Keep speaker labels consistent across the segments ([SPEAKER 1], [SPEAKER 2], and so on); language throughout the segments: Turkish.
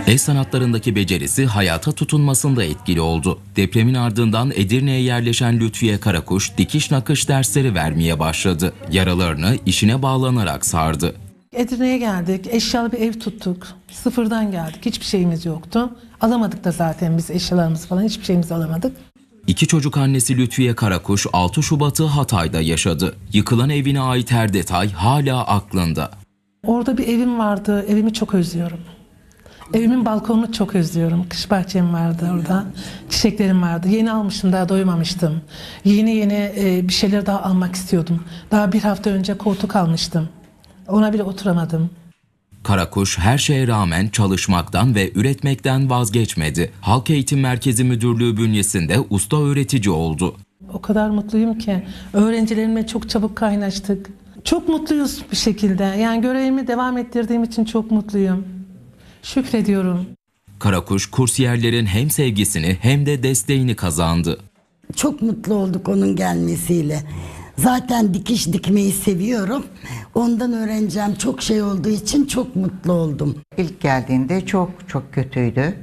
[SPEAKER 1] El sanatlarındaki becerisi hayata tutunmasında etkili oldu. Depremin ardından Edirne'ye yerleşen Lütfiye Karakuş dikiş nakış dersleri vermeye başladı. Yaralarını işine bağlanarak sardı.
[SPEAKER 2] Edirne'ye geldik, eşyalı bir ev tuttuk. Sıfırdan geldik, hiçbir şeyimiz yoktu. Alamadık da zaten biz eşyalarımızı falan, hiçbir şeyimizi alamadık.
[SPEAKER 1] İki çocuk annesi Lütfiye Karakuş 6 Şubat'ı Hatay'da yaşadı. Yıkılan evine ait her detay hala aklında.
[SPEAKER 2] Orada bir evim vardı, evimi çok özlüyorum. Evimin balkonunu çok özlüyorum. Kış bahçem vardı orada, çiçeklerim vardı. Yeni almıştım, daha doymamıştım. Yeni bir şeyler daha almak istiyordum. Daha bir hafta önce koltuk almıştım. Ona bile oturamadım.
[SPEAKER 1] Karakuş her şeye rağmen çalışmaktan ve üretmekten vazgeçmedi. Halk Eğitim Merkezi Müdürlüğü bünyesinde usta öğretici oldu.
[SPEAKER 2] O kadar mutluyum ki öğrencilerimle çok çabuk kaynaştık. Çok mutluyuz bir şekilde. Yani görevimi devam ettirdiğim için çok mutluyum. Şükrediyorum.
[SPEAKER 1] Karakuş kursiyerlerin hem sevgisini hem de desteğini kazandı.
[SPEAKER 3] Çok mutlu olduk onun gelmesiyle. Zaten dikiş dikmeyi seviyorum. Ondan öğreneceğim çok şey olduğu için çok mutlu oldum.
[SPEAKER 4] İlk geldiğinde çok kötüydü.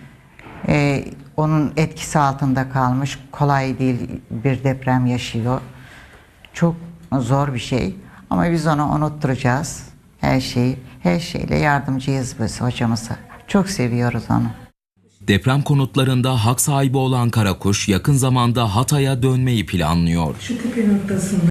[SPEAKER 4] Onun etkisi altında kalmış. Kolay değil, bir deprem yaşıyor. Çok zor bir şey. Ama biz onu unutturacağız. Her şeyle yardımcıyız biz hocamıza. Çok seviyoruz onu.
[SPEAKER 1] Deprem konutlarında hak sahibi olan Karakuş yakın zamanda Hatay'a dönmeyi planlıyor.
[SPEAKER 2] Şu tepe noktasında.